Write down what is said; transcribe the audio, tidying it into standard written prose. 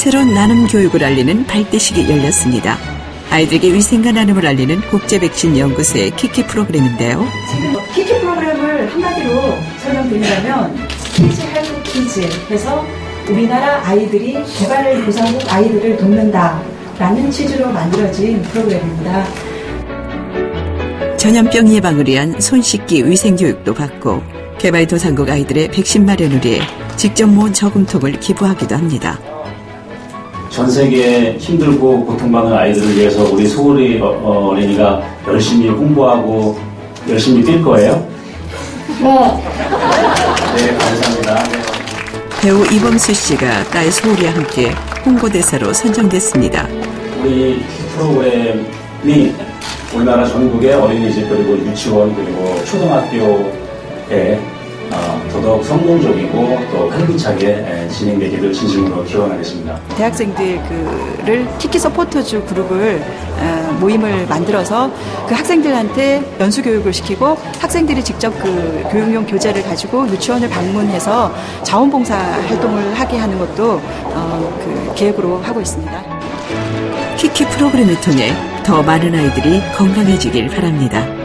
새로운 나눔 교육을 알리는 발대식이 열렸습니다. 아이들에게 위생과 나눔을 알리는 국제백신연구소의 키키 프로그램인데요. 지금 키키 프로그램을 한마디로 설명드리자면 키즈 헬프 키즈 해서 우리나라 아이들이 개발도상국 아이들을 돕는다라는 취지로 만들어진 프로그램입니다. 전염병 예방을 위한 손 씻기 위생 교육도 받고 개발도상국 아이들의 백신 마련을 위해 직접 모은 저금통을 기부하기도 합니다. 전 세계에 힘들고 고통받는 아이들을 위해서 우리 소울이 어린이가 열심히 홍보하고 열심히 뛸 거예요? 네, 감사합니다. 배우 이범수 씨가 딸 소울이와 함께 홍보대사로 선정됐습니다. 우리 프로그램이 우리나라 전국의 어린이집 그리고 유치원 그리고 초등학교에 더더욱 성공적이고 또 활기차게 진행되기를 진심으로 기원하겠습니다. 대학생들을 키키 서포터즈 그룹을 모임을 만들어서 그 학생들한테 연수 교육을 시키고 학생들이 직접 그 교육용 교재를 가지고 유치원을 방문해서 자원봉사 활동을 하게 하는 것도 그 계획으로 하고 있습니다. 키키 프로그램을 통해 더 많은 아이들이 건강해지길 바랍니다.